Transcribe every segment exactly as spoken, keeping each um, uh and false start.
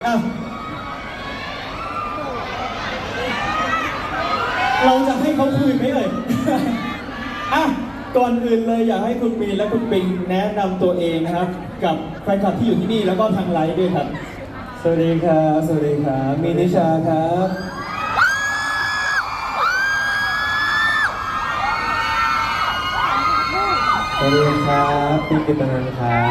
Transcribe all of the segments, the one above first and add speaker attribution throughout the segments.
Speaker 1: อ่ะเราจะให้เขาคุยไหมเอ่ย อ่ะก่อนอื่นเลยอยากให้คุณมีนและคุณปิงแนะนำตัวเองนะครับ กับแฟนคลับที่อยู่ที่นี่แล้วก็ทางไลฟ์ด้วยครับ
Speaker 2: สวัสดีครับสวัสดีครับมีนิชาครับสวัสดีครับปิ๊กกิตนันท์ครับ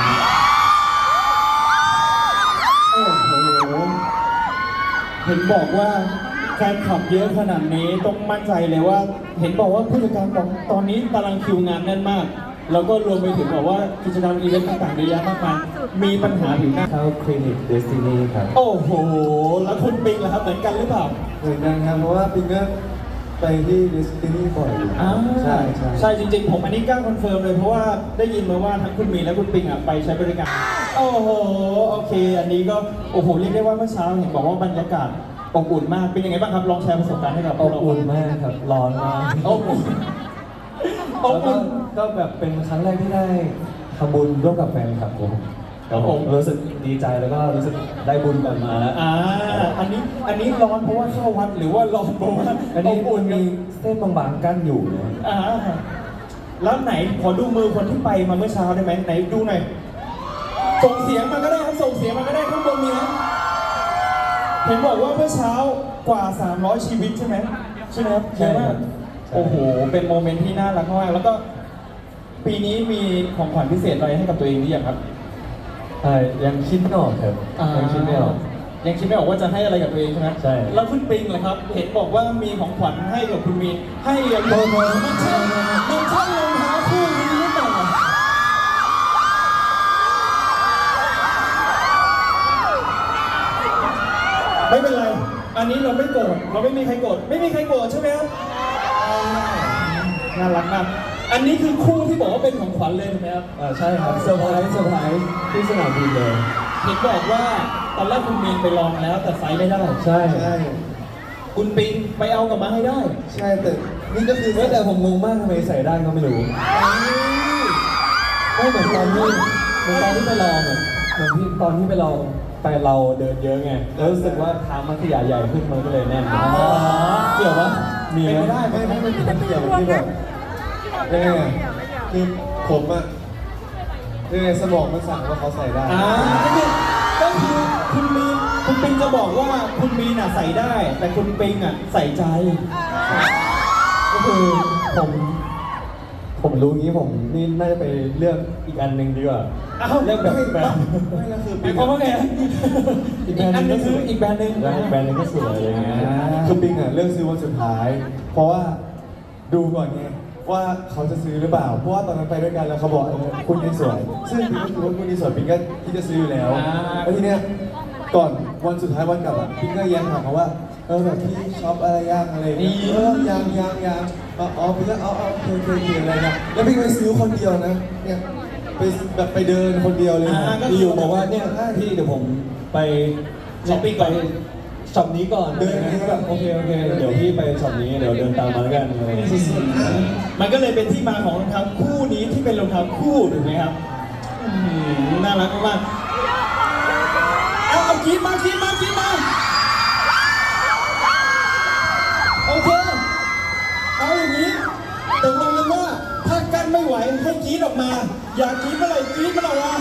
Speaker 1: โอ้โหเห็นบอกว่าแฟนคลับเยอะขนาดนี้ต้องมั่นใจเลยว่า เห็นบอกว่าผู้จัดการบอกตอนนี้ตารางคิวงานแน่นมาก แล้วก็รวมไปถึงบอกว่ากิจกรรมอีเวนต์ต่างๆเยอะแยะมากมายมีปัญหาผิวหน้า
Speaker 2: เข้าคลินิกเดสตินีครับ
Speaker 1: โอ้โหแล้วคุณปิงล่ะครับเหมือนกันหรือเปล่า
Speaker 2: เหมือนกันครับเพราะว่าปิ๊กก็ไปที่เดสตินีบ่อยอยู่
Speaker 1: อ่า
Speaker 2: ใช่ใช่
Speaker 1: ใช่จริงๆผมอันนี้กล้าคอนเฟิร์มเลยเพราะว่าได้ยินมาว่าทั้งคุณมีและคุณปิงอ่ะไปใช้บริการโอ้โหโอเค อันนี้ก็โอ้โหเรียกได้ว่าเมื่อเช้าเห็นบอกว่าบรรยากาศอบอุ่นมากเป็นยังไงบ้างครับลองแชร์ประสบการณ์ให้กับพ
Speaker 2: อ
Speaker 1: วก
Speaker 2: บ
Speaker 1: เรา
Speaker 2: อุ่นมากครับร้อนมาก
Speaker 1: อบอุ่นอ
Speaker 2: แล้
Speaker 1: บ
Speaker 2: วก็
Speaker 1: อุ่น
Speaker 2: ก็แบบเป็นครั้งแรกที่ได้ทำบุญร่วมกับแฟนคลับผม
Speaker 1: ครับผม
Speaker 2: รู้สึกดีใจแล้วก็รู้สึกได้บุญกลับมาแล้ว
Speaker 1: อ่าอันนี้อันนี้ร้อนเพราะว่าเข้าวัดหรือว่าร้อนเพราะว่า
Speaker 2: อัน
Speaker 1: อ
Speaker 2: นี้
Speaker 1: บอุ่น
Speaker 2: มีเส้นบางๆกั้นอยู่นะ
Speaker 1: อ่าแล้วไหนขอดูมือคนที่ไปมาเมื่อเช้าได้ไหมไหนดูหน่อยส่งเสียงมาก็ได้ครับส่งเสียงมาก็ได้ข้างบนมีไหมเห็นบอกว่าเมื่อเช้ากว่าสามร้อยชีวิตใช่ไหมใช่ไหมครับเยอะมากโอ้โหเป็นโมเมนต์ที่น่ารักมากแล้วก็ปีนี้มีของขวัญพิเศษอะไรให้กับตัวเองหรือยังครับ
Speaker 2: ใช่ยังคิดไม่ออกครับยังคิดไม่ออก
Speaker 1: ยังคิดไม่ออกว่าจะให้อะไรกับตัวเองใช่ไหม
Speaker 2: ใช่
Speaker 1: แล้วคุณปิงล่ะครับ เห็นบอกว่ามีของขวัญให้กับคุณมีนให้อย่างไรมันใช่มันใช่รองเท้าคู่นี้หรือเปล่าไม่เป็นไร อันนี้เราไม่โกรธเราไม่มีใครโกรธไม่มีใครโกรธใช่ไหมครับน่ารักมากอันนี้คือคู่ที่บอกว่าเป็นของขวัญเลยถูกไหมครับ
Speaker 2: อ่าใช่ครับเซอร์ไพรส์เซอร์ไพรส์ที่สนามบินเลย
Speaker 1: เห็นบอกว่าตอนแรกคุณมีนไปลองแล้วแต่ไซส์ไม่ได้
Speaker 2: ใช่
Speaker 3: ใช่
Speaker 1: คุณปิงไปเอากลับมาให้ได้
Speaker 3: ใช่แต่นี่ก็คือ
Speaker 2: เฮ้ยแต่ผมงงมากทำไมใส่ได้ก็ไม่รู้ไม่เหมือนตอนที่เหมือนตอนที่ไปลองอะเหมือนที่ตอนที่ไปลองไปเราเดินเยอะไงแล้วรู้สึกว่าเท้ามันขยายใหญ่ขึ้นมันก็เลยแน่นเกี่ยวปะมีไหม
Speaker 1: เป็นไปได้
Speaker 3: ไม่ไม่ไม่เป็นเกี่ยวที่แบบยังไงอะคือผมอะยังไงสมองมันสั่งว่าเขาใส่ได้
Speaker 1: อ่าก็คือก็คือคุณมีนคุณปิงจะบอกว่าคุณมีนอ่ะใส่ได้ แต่คุณปิงอ่ะใส่ใจ
Speaker 2: ก็คือผมผมรู้งี้ผมนี่น่าจะไปเลือกอีกอันหนึ่งดีกว่า
Speaker 1: เอ้า
Speaker 2: เลือกแบบแบบ
Speaker 3: ไม่ก็คือ
Speaker 1: หมายความว่าไงฮะอีกอันหนึงคืออีกแบรนด์หนึง
Speaker 2: แบรนด์หนึงก็สวยอะไรเงี้ย
Speaker 3: คือปิงอะเลือกซื้อวันสุดท้าย เพราะว่าดูก่อนไงว่าเขาจะซื้อหรือเปล่า เพราะว่าตอนนั้นไปด้วยกันแล้วเขาบอกเออคุณนี่สวย ซึ่งปิงก็คือว่าคุณนี่สวยปิงก็ที่จะซื้ออยู่แล้วแล้วทีเนี้ยก่อนวันสุดท้ายวันกลับอะปิงก็แย้งถามเขาว่าเออแบบพี่ช็อปอะไรย่างอะไรอย่างเงี้ยเออยังยังยังอ๋ออ๋อปิงก็อ๋ออ๋อโอเคโอเคโอเคอะไรเงี้ยแล้วปิงไปซื้อคนเดียวนะเนี่ยไปแบบไปเดินคนเดียวเลยนะ
Speaker 2: ที่อยู่บอกว่าเนี่ยพี่เดี๋ยวผมไป
Speaker 1: ช้อปปิ้งก่อน
Speaker 2: ช็อปนี้ก่อนเดินนี้ก็แบบโอเคโอเคเดี๋ยวพี่ไปช็อปนี้เดี๋ยวเดินตามมาแล้วกันอะไรอย่างเงี้ย
Speaker 1: มันก็เลยเป็นที่มาของรองเท้าคู่นี้ที่เป็นรองเท้าคู่ถูกไหมครับอืมน่ารักมากๆเอาเอากีบมากีบมากีบมาโอเคเอาอย่างนี้ตกลงกันว่าถ้ากั้นไม่ไหวให้กรี๊ดออกมา อยากกรี๊ดเมื่อไหร่กรี๊ดมันออกมา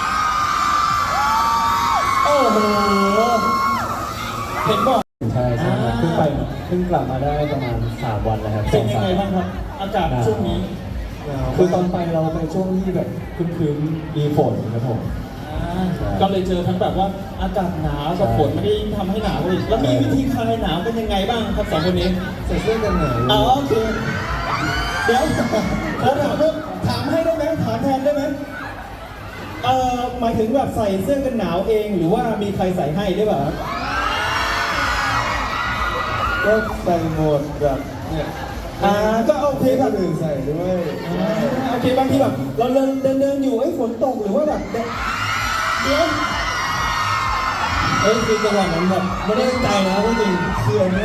Speaker 1: โอ้โหเห็นบอก
Speaker 2: ใช่ใช่ครับเพิ่งไปเพิ่งกลับมาได้ประมาณสามวันแล้วครับ
Speaker 1: เป็นยังไงบ้างครับ อากาศช่วงนี้
Speaker 2: คือตอนไปเราไปช่วงที่แบบครึ้มๆมีฝนครับผม
Speaker 1: อ่าก็เลยเจอทั้งแบบว่าอากาศหนาวกับฝนไม่ได้ทำให้หนาวอีกแล้วมีวิธีคลายหนาวเป็นยังไงบ้างครับสองคนนี้
Speaker 3: ใส่เสื้อกันหนาว
Speaker 1: อ๋อโอเคเดี๋ยวขอถามด้วยถามให้ได้ไหมถามแทนได้ไหมเอ่อหมายถึงแบบใส่เสื้อกันหนาวเองหรือว่ามีใครใส่ให้ได้เปล่า
Speaker 3: ก็ใส่หมดแบบเนี่ย
Speaker 1: อ่าก็โอเค
Speaker 3: ให้
Speaker 1: แบ
Speaker 3: ค
Speaker 1: บ
Speaker 3: นอื่นใส่ด้วย
Speaker 1: อ่าโอเคบางทีแบบเราเดินเดินเดินอยู่ไอ้ยฝนตกหรือว่าแบบเดี๋ยว
Speaker 2: เอ้ยคือจังหวะนั้นแบบไม่ได้ตั้งใจนะจริง
Speaker 3: คืออันเนี้ย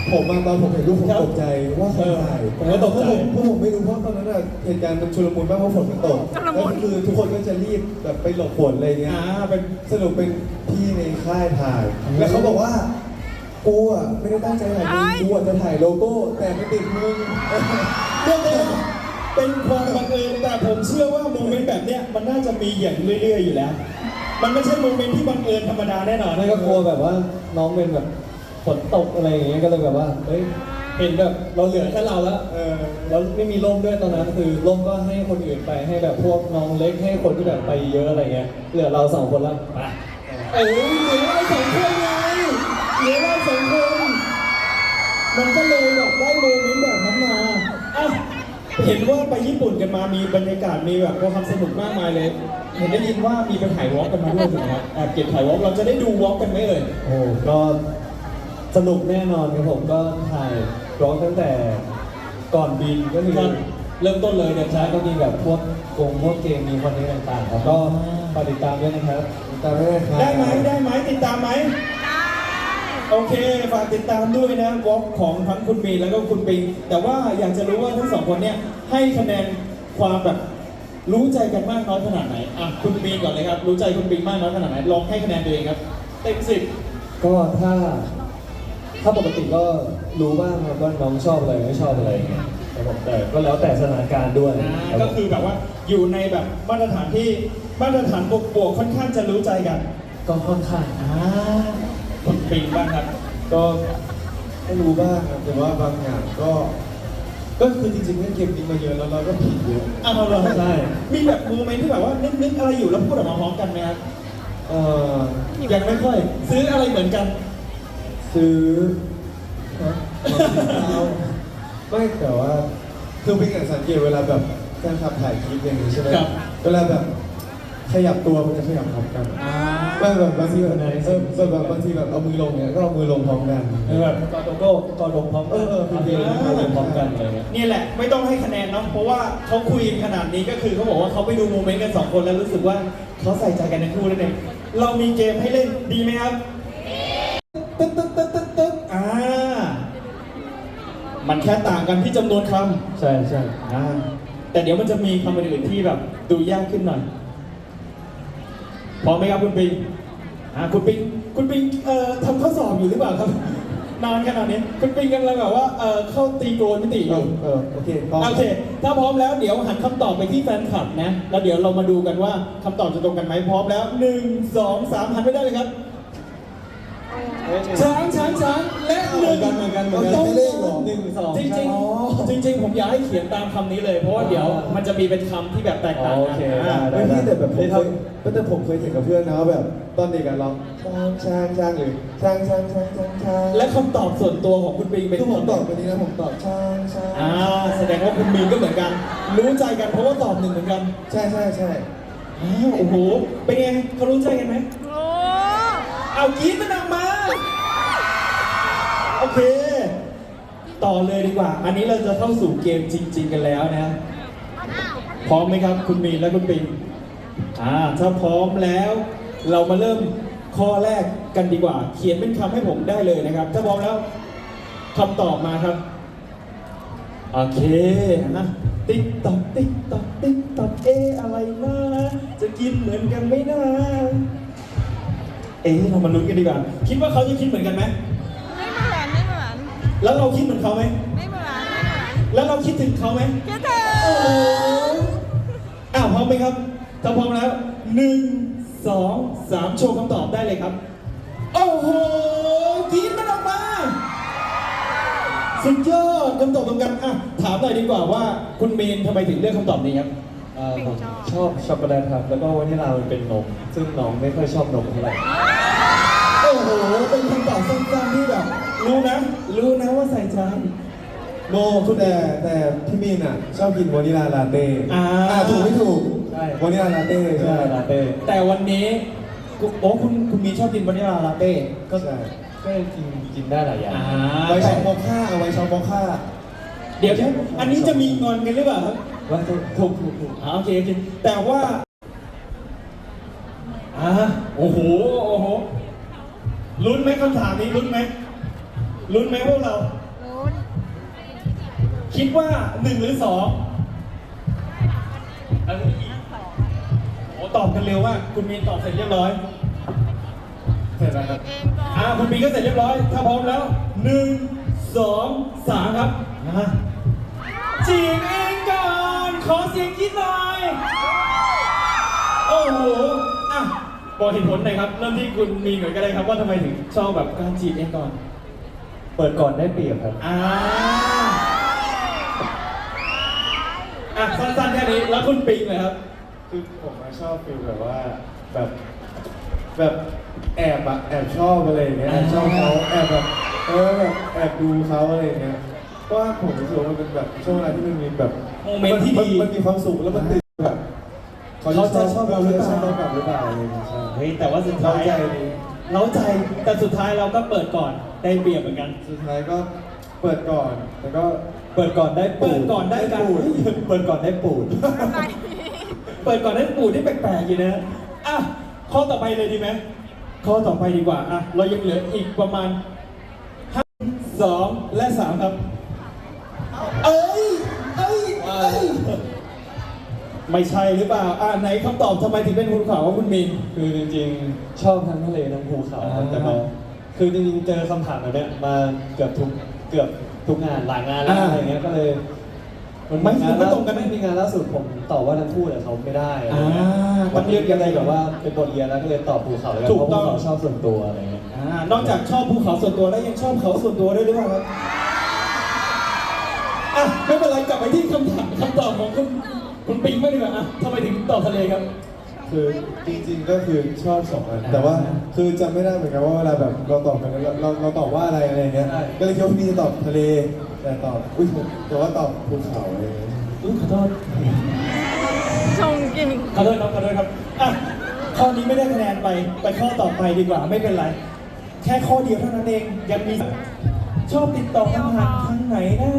Speaker 3: ผมมาตอนผมเห็นรูปผม
Speaker 1: ครับ
Speaker 3: ตกใจว่าใครถ่าย
Speaker 1: ผมก็ตกใจ
Speaker 3: เพราะผมเพราะผมไม่รู้เพราะตอนนั้นอะเหตุการณ์มันชุลมุนมากเพราะฝนมันตกแล้วคือทุกคนก็จะรีบแบบไปหลบฝนอะไรเงี้ย
Speaker 1: อ่าเป็น
Speaker 3: สรุปเป็นพี่ในค่ายถ่าย แล้วเขาบอกว่ากูอ่ะไม่ได้ตั้งใจถ่ายมึงกูอ่ะจะถ่ายโลโก้แต่ไม่ติดมึง
Speaker 1: เรื่องนี้เป็นความบังเอิญแต่ผมเชื่อว่าโมเมนต์แบบเนี้ยมันน่าจะมีอย่างเรื่อยๆอยู่แล้ว มันไม่ใช่โมเมนต์ที่บังเอิญธรรมดาแน่นอน
Speaker 2: ไม่ก็กลัวแบบว่าน้องเป็นแบบฝนตกอะไรอย่างเงี้ยก็เลยแบบว่าเฮ้ยเห็นแบบเราเหลือแค่เราแล้ว
Speaker 3: เออ
Speaker 2: แล้วไม่มีร่มด้วยตอนนั้นคือร่มก็ให้คนอื่นไปให้แบบพวกน้องเล็กให้คนที่แบบไปเยอะอะไรเงี้ยเหลือเราสองคนแล้วไป
Speaker 1: เอ้ยเหลือเราสองคนไงเหลือเราสองคนมันก็เลยแบบได้โมเมนต์แบบนั้นมาอ่ะเห็นว่าไปญี่ปุ่นกันมามีบรรยากาศมีแบบความสนุกมากมายเลย เห็นได้ยินว่ามีไปถ่ายวอล์กกันมาด้วยถูกไหมครับแอบเก็บถ่ายวอล์กเราจะได้ดูวอล์กกันไหมเอ่ย
Speaker 2: โอ้ก็สนุกแน่นอนครับผมก็ถ่ายร้องตั้งแต่ก่อนบินก็คือ
Speaker 1: ก่อนเริ่มต้นเลยเดี๋ยว
Speaker 2: ใช่
Speaker 1: ใช้
Speaker 2: ก็มีแบบพวกกงพวกเกมมีคอนเทนต์ต่างๆครับก็ฝากติดตามด้วยนะครับ
Speaker 3: ตามไม่ได้ครับ
Speaker 1: ได้ไหมได้ไหมติดตามไหมโอเคฝากติดตามด้วยนะวอล์กของทั้งคุณมีนแล้วก็คุณปิง แต่ว่าอยากจะรู้ว่าทั้งสองคนเนี่ยให้คะแนนความแบบรู้ใจกันมากน้อยขนาดไหนอ่ะคุณมีนก่อนเลยครับรู้ใจคุณปิงมากน้อยขนาดไหนลองให้คะแนนตัวเองครับเต็มสิบ
Speaker 2: ก็ถ้าถ้าปกติก็รู้บ้างครับว่าน้องชอบอะไรไม่ชอบอะไรอย่างเงี้ยครับผมแต่ก็แล้วแต่สถานการณ์ด้วย
Speaker 1: อ่า
Speaker 2: รับ
Speaker 1: ก็คือแบบว่าอยู่ในแบบมาตรฐานที่มาตรฐานบวกบวกๆค่อนข้างจะรู้ใจกัน
Speaker 2: ก็ค่อนข้าง
Speaker 1: อ่าคุณปิงบ้างครับ
Speaker 3: ก็ไม่รู้บ้างครับแต่ว่าบางอย่างก็ ก็คือจริงๆเล่นเกมนี้มาเยอะแล้วเราก็ผิดเยอะ
Speaker 1: อ่ะเราเลย
Speaker 2: ใช่
Speaker 1: มีแบบโมเมนต์ที่แบบว่านึกๆอะไรอยู่แล้วพูดออกมาพร้อมกันไหมครับ
Speaker 3: เออ
Speaker 1: ยังไม่ค่อย ซื้ออะไรเหมือนกัน
Speaker 3: ซื้อฮะไม่แต่ว่าคือเป็นอย่างสังเกตเวลาแบบแฟนคลับถ่ายคลิปอย่างนี้ใช่ไหม
Speaker 1: ครับ
Speaker 3: เวลาแบบขยับตัวมันจะขยับพร้อมกัน
Speaker 1: อ่า
Speaker 3: ไม่แบบบางทีแบบเออแบบแบบบางทีแบบเอามือลงเนี่ยก็เอามือลงพร้อมกัน
Speaker 2: เออแบบกอดโลโก้กอดลงพร้อมกัน
Speaker 3: เออเออ
Speaker 2: ทำเพลงทำเพลงพร้อมกันอะไรเงี้ย
Speaker 1: นี่แหละไม่ต้องให้คะแนนเนาะเพราะว่าเขาคุยกันขนาดนี้ก็คือเขาบอกว่าเขาไปดูโมเมนต์กันสองคนแล้วรู้สึกว่าเขาใส่ใจกันในคู่นั่นเองเรามีเกมให้เล่นดีไหมครับตึ๊ดตึ๊ดตึ๊ดตึ๊ดตึ๊ดอ่ามันแค่ต่างกันที่จำนวนคำ
Speaker 2: ใช่ใช่
Speaker 1: อ่าแต่เดี๋ยวมันจะมีคำอื่นๆที่แบบดูยากขึ้นหน่อยพร้อมไหมครับคุณปิงอ่าคุณปิงคุณปิงเอ่อทำข้อสอบอยู่หรือเปล่าครับ นานขนาดนี้คุณปิงกำลังแบบว่าเอ่อเข้าตีโกนมิติอ
Speaker 3: เอยู่ อเออโอเคพร้อม
Speaker 1: โอเคถ้าพร้อมแล้วเดี๋ยวหันคำตอบไปที่แฟนคลับนะแล้วเดี๋ยวเรามาดูกันว่าคำตอบจะตรงกันไหมพร้อมแล้วหนึ่งสองสามหันไปได้เลยครับ ช้างช้างช้างและหนึ่ง
Speaker 3: เหมือนกันเหมือนกัน
Speaker 1: ต้อง
Speaker 3: ไม่เลขหรอ
Speaker 2: หนึ่งสอง
Speaker 1: จริงจริง
Speaker 2: อ๋อ
Speaker 1: จริงจริง ๆ ผมอยากให้เขียนตามคำนี้เลย เพราะว่าเดี๋ยวมันจะมีเป็นคำที่แบบแตกต่าง
Speaker 2: โอ
Speaker 1: กัน
Speaker 2: เค
Speaker 1: อ่า
Speaker 2: ได้
Speaker 3: ไม่พี่แต่แบบผมเคยแต่ผมเคยเห็นกับเพื่อนนะว่าแบบตอนเด็กอะเราช้างช้างช้างหรือช้างช้างช้างช้างช้าง
Speaker 1: และคำตอบส่วนตัวของคุณปิงเป็น
Speaker 3: คือผม
Speaker 1: คำ
Speaker 3: ตอบวันนี้นะผมตอบช้างช้าง
Speaker 1: อ่าแสดงว่าคุณมีนก็เหมือนกัน รู้ใจกันเพราะว่าตอบหนึ่งเหมือนกัน
Speaker 3: ใช่ใช่ใช่
Speaker 1: อ้าวโอ้โหเป็นไงเขารู้ใจกันไหม
Speaker 4: โอ้
Speaker 1: เอากรีดมันออกมา โอเค ต่อเลยดีกว่า อันนี้เราจะเข้าสู่เกมจริง ๆ กันแล้วนะ พร้อมไหมครับ คุณมีนและคุณปิง อ่า ถ้าพร้อมแล้ว เรามาเริ่มข้อแรกกันดีกว่า เขียนเป็นคำให้ผมได้เลยนะครับ ถ้าพร้อมแล้วคำตอบมาครับ โอเคนะติ๊กตอกติ๊กตอกติ๊กตอกเอะอะไรนะจะกินเหมือนกันไหมนะเอ๊ะเรามาลุ้นกันดีกว่า คิดว่าเขาจะคิดเหมือนกันไหม
Speaker 4: ไม่เหมือนไม่เหมือน
Speaker 1: แล้วเราคิดเหมือนเขาไหม
Speaker 4: ไม่เหมือนไม่เหมือน
Speaker 1: แล้วเราคิดถึงเขาไหม
Speaker 4: คิดถึง
Speaker 1: โอ้โหอ้าวพร้อมไหมครับถ้าพร้อมแล้วหนึ่งสองสามโชว์คำตอบได้เลยครับ โอ้โหกรีดมันออกมา สุดยอดคำตอบตรงกันอ่ะถามหน่อยดีกว่าว่าคุณเมนทำไมถึงเลือกคำตอบนี้ครับ
Speaker 2: เอ่อผมชอบช็อกโกแลตครับแล้วก็วานิลามันเป็นนมซึ่งน้องไม่ค่อยชอบนมเท่าไหร่
Speaker 1: โอ้โห เป็นคำตอบสั้นๆที่แบบ รู้นะ รู้นะว่าใส่ใจ
Speaker 3: โนคุณแต่แต่พี่มีนอ่ะชอบกินวานิลาลาเต้
Speaker 1: อ่า
Speaker 3: ถูกไม่ถูก
Speaker 2: ใช่
Speaker 3: วานิลาลาเต้
Speaker 2: ใช่
Speaker 3: ใช่
Speaker 2: ลาเต้
Speaker 1: แต่วันนี้กูโอ้คุณคุณมีชอบกินวานิลาลาเต้
Speaker 3: ก็ใช่
Speaker 2: ก็กินกินได้หลายอย่าง
Speaker 1: อ่า
Speaker 3: ไว้ช็อกโมค่าเอาไว้ช็อกโมค่า
Speaker 1: เดี๋ยวนะอันนี้จะมีงอนกันหรือเปล่าครับ
Speaker 2: ว่าถูกถูกถูกถูก
Speaker 1: อ่าโอเคโอเคแต่ว่าอ่าโอ้โห โอ้โห ลุ้นไหมคำถามนี้ลุ้นไหมลุ้นไหมพวกเรา
Speaker 4: ลุ้น
Speaker 1: คิดว่าหนึ่งหรือสองเอาอีกโอ้ตอบกันเร็วมากคุณมีนตอบเสร็จเรียบร้อย
Speaker 3: เสร็จแล้วครับ
Speaker 4: เองก่อน
Speaker 1: อ่าคุณปีก็เสร็จเรียบร้อย ถ้าพร้อมแล้วหนึ่งสองสามครับมาจีบเองก่อนขอเสียงคิดหน่อย โอ้โหอ่ะบอกเหตุผลหน่อยครับ เริ่มที่คุณมีหน่อยก็ได้ครับว่าทำไมถึงชอบแบบการจีบเองก่อน
Speaker 2: เปิดก่อนได้เปรียบครับ
Speaker 1: อ่าอ่ะสั้นๆแค่นี้แล้วคุณปิงเลยครับ
Speaker 3: คือผมมาชอบฟิลแบบว่าแบบแบบแอบอะแอบชอบอะไรอย่างเงี้ยแอบชอบเขาแอบแบบเออแบบแอบดูเขาอะไรอย่างเงี้ยเพราะว่าผมรู้สึกว่ามันเป็นแบบช่วงเวลาที่มันมีแบบ
Speaker 1: โมเมนต์ที่ดี
Speaker 3: มันมีความสุขแล้วมันติดแบบ
Speaker 1: เขาจะชอบเราหรือเปล่า
Speaker 3: ชอบเรากลับหรือเปล่าอะไรอย่างเงี้ยใช่
Speaker 1: เฮ้ยแต่ว่าสุด
Speaker 3: เรา
Speaker 1: ท้าย
Speaker 3: ใจดี
Speaker 1: เล้าใจแต่สุดท้ายเราก็เปิดก่อนได้เปรียบเหมือนกัน
Speaker 3: สุดท้ายก็เปิดก่อนแต่ก็
Speaker 2: เปิดก่อนได้ปู
Speaker 1: เปิดก่อนได้กัน
Speaker 2: ปูดเปิดก่อนได้ปูด
Speaker 4: อะไร
Speaker 1: เปิดก่อนได้ปูที่แปลกๆอยู่นะอ่ะข้อต่อไปเลยดีไหมข้อต่อไปดีกว่าอ่ะเรายังเหลืออีกประมาณห้าสองและสามครับ เอ้ยเอ้ยเอ้ยไม่ใช่หรือเปล่าอ่ะไหนคำตอบทำไมถึงเป็นคุณขาวว่าคุณมิน
Speaker 2: คือจริงๆ ชอบทั้งทะเลทั้งภูเขาครับ
Speaker 1: อ่า
Speaker 2: แต่ก็คือจริงๆ เจอคำถามแบบเนี้ยมาเกือบทุกเกือบทุกงานหลายงานแล้วอะไรเงี้ยก็เลย
Speaker 1: ไม่
Speaker 2: งาน
Speaker 1: ไม่ตรงกันไหม
Speaker 2: ไม่มีงานล่าสุดผมตอบว่าทั้งคู่แต่เขาไม่ได้อะไรเงี้ย
Speaker 1: อ่า
Speaker 2: มันเรียกยังไงแบบว่าเป็นบทเรียนแล้วก็เลยตอบภูเขาแล้วกัน
Speaker 1: ถูก
Speaker 2: เพราะ
Speaker 1: ต้
Speaker 2: ภู
Speaker 1: อง
Speaker 2: เขาชอบส่วนตัวอะไรเงี้ย
Speaker 1: อ่านอกจากชอบภูเขาส่วนตัวแล้วยังชอบเขาส่วนตัวด้วยหรือเปล่าครับอ่ะไม่เป็นไรกลับไปที่คำถามคำตอบของคุณคุณปิงไม่ดีกว่าอ่ะทำไมถึงตอบทะเลครับ
Speaker 3: คือจริงๆก็คือชอบสองอันแต่ว่าคือจำไม่ได้เหมือนกันว่าเวลาแบบเราตอบกันเราเราเราตอบว่าอะไรอะไรอย่างเงี้ยก็เลยคิดว่าพี่จะตอบทะเลแต่ตอบอุ้ยแต่ว่าตอบภูเขาอะไรอย่างเงี้ย
Speaker 1: อุ๊ยขอโทษ
Speaker 4: ชงจริง
Speaker 1: ขอโทษครับขอโทษครับอ่ะข้อนี้ไม่ได้คะแนนไปไปข้อต่อไปดีกว่าไม่เป็นไร แค่ข้อเดียวเท่านั้นเองยังมีชอบติดต่อทางทางไหนนะ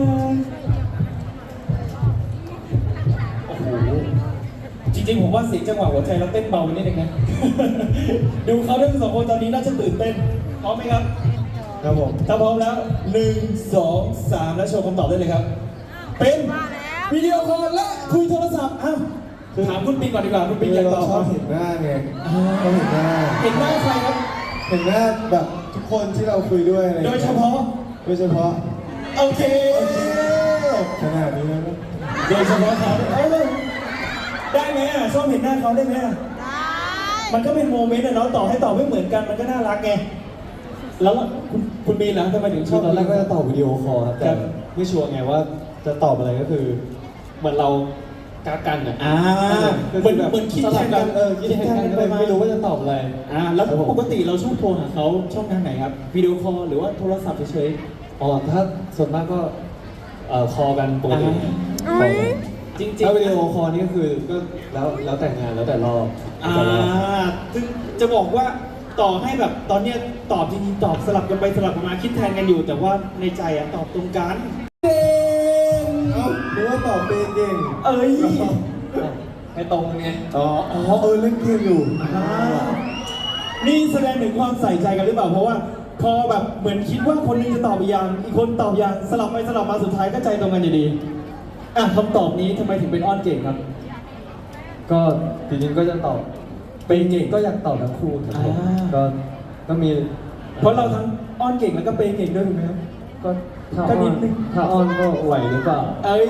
Speaker 1: โอ้โหจริงๆผมว่าเสียงจังหวะหัวใจเราเต้นเบาไปนิดนึงนะ ดูเขาทั้งสองคนตอนนี้น่าจะตื่นเต้นพร้อมไหมครับ
Speaker 3: ครับผม
Speaker 1: ถ้าพร้อมแล้วหนึ่งสองสามแล้วโชว์คำตอบได้เลยครับ เป็น
Speaker 4: มาแล้ว
Speaker 1: วิดีโอคอลและคุยโทรศัพท์อ้าวถามคุณปิงก่อนดีกว่าคุณปิงอยากตอบ
Speaker 3: เราชอบเห็นหน้าไง
Speaker 1: อ่า
Speaker 3: เราเห็นหน้า
Speaker 1: เห็นหน้าใครครับ
Speaker 3: เห็นหน้าแบบทุกคนที่เราคุยด้วยอะไรอ
Speaker 1: โด
Speaker 3: ง
Speaker 1: ย
Speaker 3: งี้
Speaker 1: เฉพาะ
Speaker 3: โดยเฉพาะ
Speaker 1: โอเค
Speaker 3: ขนาดนี้แล้วนะ
Speaker 1: โดยเฉพาะเขาเอ้ยได้ไหมอ่ะชอบเห็นหน้าเขาได้ไหมอ่ะ
Speaker 4: ได้
Speaker 1: มันก็เป็นโมเมนต์อะเนาะต่อให้ตอบไม่เหมือนกันมันก็น่ารักไงแล้วคุณคุณมีนล่ะทำไมถึงช
Speaker 2: คือ อบ ตอนแรกก็จะตอบวิดีโอคอลครับแต่
Speaker 1: ครับ
Speaker 2: ไม่ชัวร์ไงว่าจะตอบอะไรก็คือเหมือนเรากักกันอ่ะ
Speaker 1: อ่า
Speaker 2: คือ
Speaker 1: เหมือน
Speaker 2: แบบ
Speaker 1: เหมือนคิด
Speaker 2: ส
Speaker 1: แท
Speaker 2: ลับ
Speaker 1: น
Speaker 2: กั
Speaker 1: กัน น
Speaker 2: เออคิดแทนกันก็เลยไม่รู้ว่าจะตอบอะไร
Speaker 1: อ่าแล้ว
Speaker 2: ครับผม
Speaker 1: ปกติเราชอบโทรหาเขาช่องทางไหนครับวิดีโอคอลหรือว่าโทรศัพท์เฉย
Speaker 2: อ๋อถ้าส่วนมากก็เอ่อคอกันปกติ
Speaker 1: อ่า
Speaker 2: คอกัน
Speaker 1: ๆจริง
Speaker 2: ถ้าวิดี
Speaker 1: ๆ
Speaker 2: โอคอลนี่ก็คือก็แล้วแล้วแต่งานแล้วแต่รอบ
Speaker 1: อ่า
Speaker 2: แล้วแต่รอบ
Speaker 1: ถึงจะบอกว่าต่อให้แบบตอนเนี้ยตอบจริงๆตอบสลับกันไปสลับกันมาคิดแทนกันอยู่ แต่ว่าในใจอะตอบตรงกันเก่ง
Speaker 3: เอ้าหรือว่าตอบเป็นเก่ง
Speaker 1: เอ้ย
Speaker 2: ให้ตรงไง
Speaker 3: อ๋ออ๋อเออเล่นเกมอยู่
Speaker 1: อ่านี่แสดงถึงความใส่ใจกันหรือเปล่าเพราะว่าพอแบบเหมือนคิดว่าคนหนึงจะตอบอีกอย่างอีกคนตอบอย่างสลับไปสลับมาสุดท้ายก็ใจตรงกันอยู่ดีอ่ะคำตอบนี้ทำไมถึงเป็นอ้อนเก่งครับ
Speaker 2: ก็จริงๆก็จะตอบ
Speaker 1: เป็นเก่ง
Speaker 2: ก็อยากตอบทั้งคู่ครับผม
Speaker 1: อ่า
Speaker 2: ก็ก็มี
Speaker 1: เพราะเราทั้งอ้อนเก่งแล้วก็เปย์เก่งด้วยถูกไหมครับ
Speaker 2: ก็ถ้า
Speaker 1: ก็
Speaker 2: อ้
Speaker 1: นิ
Speaker 2: อน
Speaker 1: ดนึง
Speaker 2: ถ้าอ้อนก็ไหวหรือเปล่า
Speaker 1: เอ้ย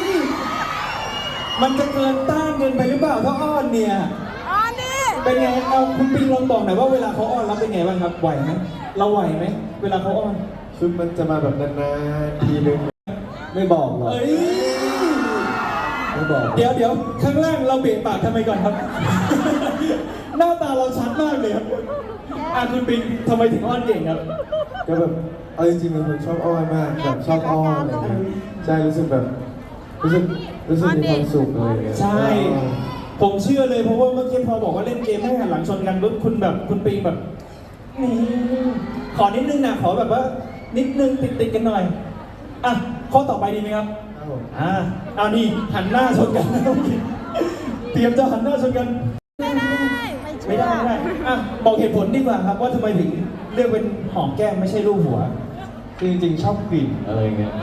Speaker 1: มันจะเกินต้านเกินไปหรือเปล่าถ้าอ้อนเนี่ย
Speaker 4: อ๋อนี่
Speaker 1: เป็นไง เอาคุณปิงลองบอกหน่อยว่าเวลาเขาอ้อนเราเป็นไงบ้างครับ ไหวไหมเราไหวไหมเวลาเขาอ้อน
Speaker 3: คือมันจะมาแบบนานๆทีนึง
Speaker 2: ไม่บอกหรอก
Speaker 1: เอ้ย
Speaker 2: ไม่บอก
Speaker 1: เดี๋ยวเดี๋ยวข้างล่างเราเบรกปากทำไมก่อนครับ หน้าตาเราชัดมากเลยครับอ่ะคุณปิงทำไมถึงอ้อนเก่งครับ
Speaker 3: ก็แบบเอาจริงๆเป็นคนชอบอ้อนมากแบบชอบอ้อนอะไรอย่างเงี้ยใช่รู้สึกแบบรู้สึกรู้สึกมีความสุขอะไรอย่างเงี้ย
Speaker 1: ใช่ ผมเชื่อเลยเพราะว่าเมื่อกี้พอบอกว่าเล่นเกมให้หันหลังชนกันปุ๊บคุณแบบคุณปิงแบบนี่ขอนิดนึงนะขอแบบว่า นิดนึงติดติดๆกันหน่อย อ่ะข้อต่อไปดีไหมครับ
Speaker 3: ครับผม
Speaker 1: อ่าเอานี่หันหน้าชนกันโอเคเตรียมจะหันหน้าชนกัน
Speaker 4: ไม่ได้
Speaker 1: ไม่ได้ไม่ได้อ่ะบอกเหตุผลดีกว่าครับว่าทำไมถึงเลือกเป็นหอมแก้มไม่ใช่รูปหัว
Speaker 3: คื
Speaker 2: คือจริงๆชอบกลิ่นอะไรเงี้ย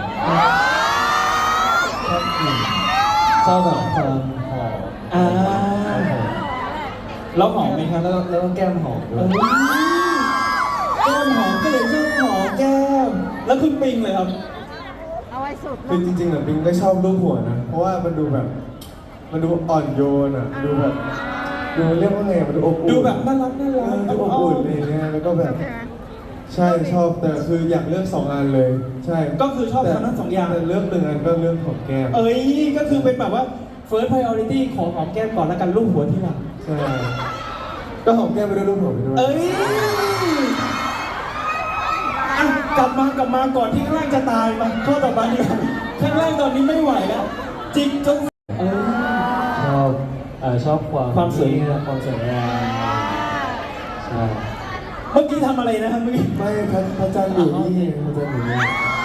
Speaker 2: ชอบกลิ่นชอบแบบความหอม
Speaker 1: อ่า แล้วหอมไหมครับ
Speaker 2: แล้วแล้วก็แก้มหอมด้ว
Speaker 1: เอ้
Speaker 2: ย
Speaker 1: ยแก้มหอมก็เลยชอบหอมแก้ม แล้วคุณปิงเลยครับ
Speaker 4: เอาไว้สุด
Speaker 3: คือจริงๆอะปิงก็ชอบรูปหัวนะ เพราะว่ามันดูแบบ มันดูอ่อนโยนอ่ะ ดูแบบ ดูเรียกว่าไงอะมันดูอบอุ่น
Speaker 1: ดูแบบน่ารักน่า
Speaker 3: เอ
Speaker 1: รั
Speaker 3: อก ดูอบอุ่นอะไรเงี้ยแล้วก็แบบ ใช่ชอบแต่คืออยากเลือกสองอันเลย ใช่
Speaker 1: ก็คือชอบทั้งนั้นสองอย่าง
Speaker 3: แต่เลือกหนึ่งอันก็เลือกของแก้ม
Speaker 1: เอ้ย ก็คือเป็นแบบว่า first priority ของหอมแก้มก่อนแล้วกันลูกหัวที่หลัง
Speaker 3: ใช่ ก็หอมแก้มไปด้วยรูปหัวไปด้วย
Speaker 1: เอ้ยอ่ะกลับมากลับมาก่อนที่ข้างล่างจะตายมาข้อต่อไปดีกว่าข้างล่างตอนนี้ไม่ไหวแล้ว จิกจนเอ้ย
Speaker 2: ชอบเอ่อชอบความ
Speaker 1: ความสวยงาม
Speaker 2: ความสวยงามใช่
Speaker 1: เมื่อกี้ทำอะไรนะครับเมื่อกี้
Speaker 3: ไม่พระพระจันทร์อยู่นี่พระจันทร์อยู่นี่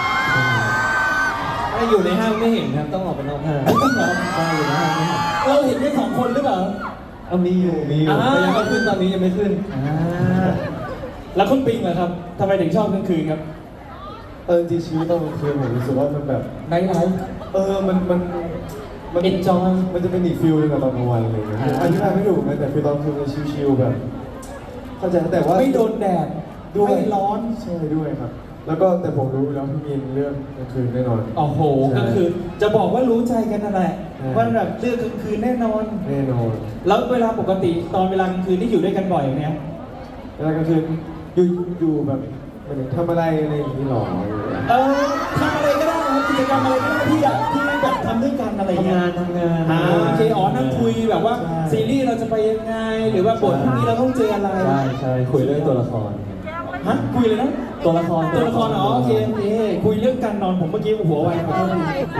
Speaker 2: ถ้าอยู่ในห้างไม่เห็นครับต้องออกไปนอกห้าง
Speaker 1: ไม่ต้องเหรอ
Speaker 2: ใช่อยู่ในห้างไม่เห็น
Speaker 1: เราเห็นแค่สองคนหรือเปล่า
Speaker 2: เอามีอยู่มีอยู่
Speaker 1: อ่า
Speaker 2: แต่ยังไม่ขึ้นตอนนี้ยังไม่ขึ้น
Speaker 1: อ่าแล้วคุณปิงเหรอครับทำไมถึงชอบกลางคืนครับ
Speaker 3: เออจริงๆชีวิตตอนกลางคืนผมรู้สึกว่ามันแบบ
Speaker 1: ไนท์ไลฟ์
Speaker 3: เออ มัน มัน มัน
Speaker 1: Enjoy
Speaker 3: มันจะเป็นอีกฟิลหนึงกับตอนกลางวันอะไรอย่างเงี้ย
Speaker 1: อ่า
Speaker 3: อธิบายไม่ถูกนะแต่คือตอนกลางคืนมันชิลๆแบบ เข้าใจแต่ว่า
Speaker 1: ไม่โดนแดด
Speaker 3: ด้วย
Speaker 1: ไม่ร้อน
Speaker 3: ใช่ด้วยครับ แล้วก็แต่ผมรู้แล้วพี่มีนเรื่องกลางคืนแน่นอน
Speaker 1: โอ้โห
Speaker 3: ใช่
Speaker 1: ก็คือจะบอกว่ารู้ใจกันนั่นแหละ
Speaker 3: ใช่
Speaker 1: ว่าแบบเลือกกลางคืนแน่นอน
Speaker 3: แน่นอน
Speaker 1: แล้วเวลาปกติตอนเวลากลางคืนที่อยู่ด้วยกันบ่อยไหมครับ
Speaker 3: เวลากลางคืนอยู่อยู่แบบหมายถึงทำอะไรอะไรอย่างนี้หรอ
Speaker 1: เออทำอะไรก็ได้ครับกิจกรรมอะไรก็ได้ที่อยากที่แบบทำด้วยกันอะไรอย่าง
Speaker 2: ทำ
Speaker 1: เงี้ย
Speaker 2: งานทำงาน
Speaker 1: อ่าโอเคอ๋อนั่งคุยแบบว่าซีรีส์เราจะไปยังไง หรือว่าบทพรุ่งนี้เราต้องเจออะไร
Speaker 2: ใช่ใช่คุยเรื่องตัวละคร
Speaker 1: ฮะคุยเลยนะ
Speaker 2: ตัวละคร
Speaker 1: ตัวละครอ๋อโอเคโอเคคุยเรื่องการนอนผมเมื่อกี้หัวไวขอโทษที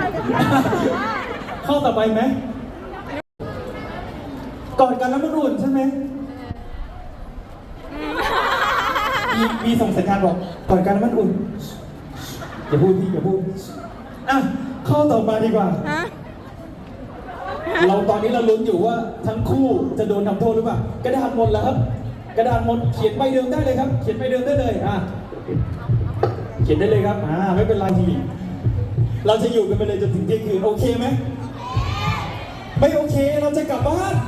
Speaker 1: เข้าต่อไปไหมกอดกันแล้วมันอุ่นใช่ไหมมีมีส่งสัญญาณบอกกอดกันแล้วมันอุ่นอย่าพูดพี่อย่าพูดอ่ะเข้าต่อมาดีกว่า
Speaker 4: ฮะ
Speaker 1: เราตอนนี้เราลุ้นอยู่ว่าทั้งคู่จะโดนทำโทษหรือเปล่ากระดาษหมดแล้วครับ กระดาษหมดเขียนใบเดิมได้เลยครับ เขียนใบเดิมได้เลยอ่ะเขียนได้เลยครับอ่าไม่เป็นไรทีเราจะอยู่กันไปเลยจนถึงเที่ยงคืนโอเคไหมไม่โอเคเราจะกลับบ้าน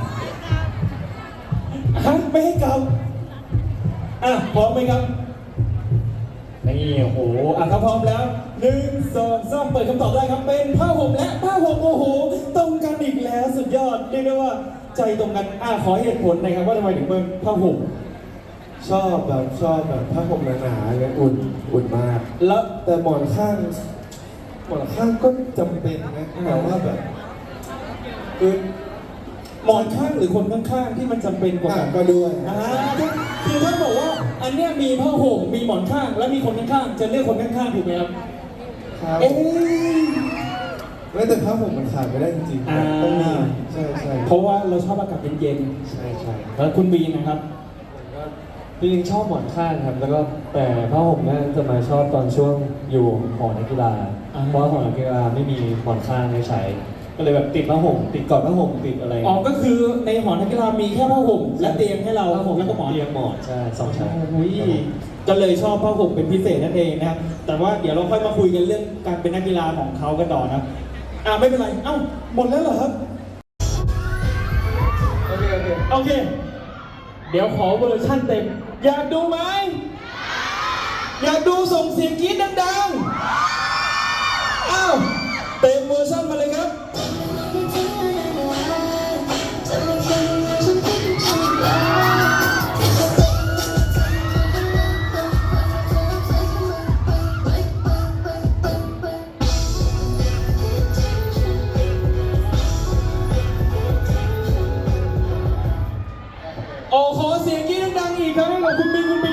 Speaker 1: ฮะไม่ให้กลับอ่ะพร้อมไหมครับนี่โอ้โหอ่ะถ้าพร้อมแล้วหนึ่งสองสามเปิดคำตอบได้ครับเป็นผ้าห่มและผ้าห่มโอ้โหตรงกันอีกแล้วสุดยอดเรียกได้ว่าใจตรงกันอ่ะขอเหตุผลหน่อยครับว่าทำไมถึงเป็นผ้าห่ม
Speaker 3: ชอบแบบชอบแบบผ้าห่มหนาๆเนี่ยอุ่นอุ่นมาก
Speaker 1: แล้ว
Speaker 3: แต่หมอนข้าง หมอนข้างก็จำเป็นนะแต่ว่าแบบคือ
Speaker 1: หมอนข้างหรือคนข้างๆที่มันจำเป็นกว่า
Speaker 3: อ่ะ
Speaker 1: กัน
Speaker 3: ก็ด้วย
Speaker 1: อ่าคือถ้าบอกว่าอันเนี้ยมีผ้าห่มมีหมอนข้าง และมีคนข้างๆจะเลือกคนข้างๆถูกไหมครับ
Speaker 3: ครับ
Speaker 1: เอ๊ะ
Speaker 3: ไม่แต่ผ้าห่มมันขาดไม่ได้จริงๆ
Speaker 1: อ่า
Speaker 3: ต้องมีใช่ใช่
Speaker 1: เพราะว่าเราชอบอากาศเย็น
Speaker 3: ใช่ใช่
Speaker 1: ๆแล้วคุณบีนะครับ
Speaker 2: จริงๆชอบหมอนข้างครับ แล้วก็แต่ผ้าห่มเนี่ยจะมาชอบตอนช่วงอยู่หอนักกีฬา
Speaker 1: อ่า
Speaker 2: เพราะว่าหอนักกีฬาไม่มีหมอนข้างให้ใช้ ก็เลยแบบติดผ้าห่มติดกอดผ้าห่มติดอะไร
Speaker 1: อ๋อก็คือในหอนักกีฬามีแค่ผ้าห่มและเตียงให้เรา
Speaker 2: ผ้าห่ม
Speaker 1: แล้วก็หมอน
Speaker 2: เตียงหมอนใช่สองชั้น
Speaker 1: โอ้ยก็เลยชอบผ้าห่มเป็นพิเศษนั่นเองนะครับ แต่ว่าเดี๋ยวเราค่อยมาคุยกันเรื่องการเป็นนักกีฬาของเขากันต่อนะ อ่าไม่เป็นไร เอ้าหมดแล้วเหรอครับ
Speaker 3: โอเคโอเค
Speaker 1: โอเค เดี๋ยวขอเวอร์ชั่นเต็ม อยากดูไหม อยากดูส่งเสียงกรี๊ดดังๆ อ้าว เต็มเวอร์ชั่นมาเลยครับ โอ้ขอเสียงกรี๊ดดังๆอีกครั้งให้กับคุณบินคุณบิน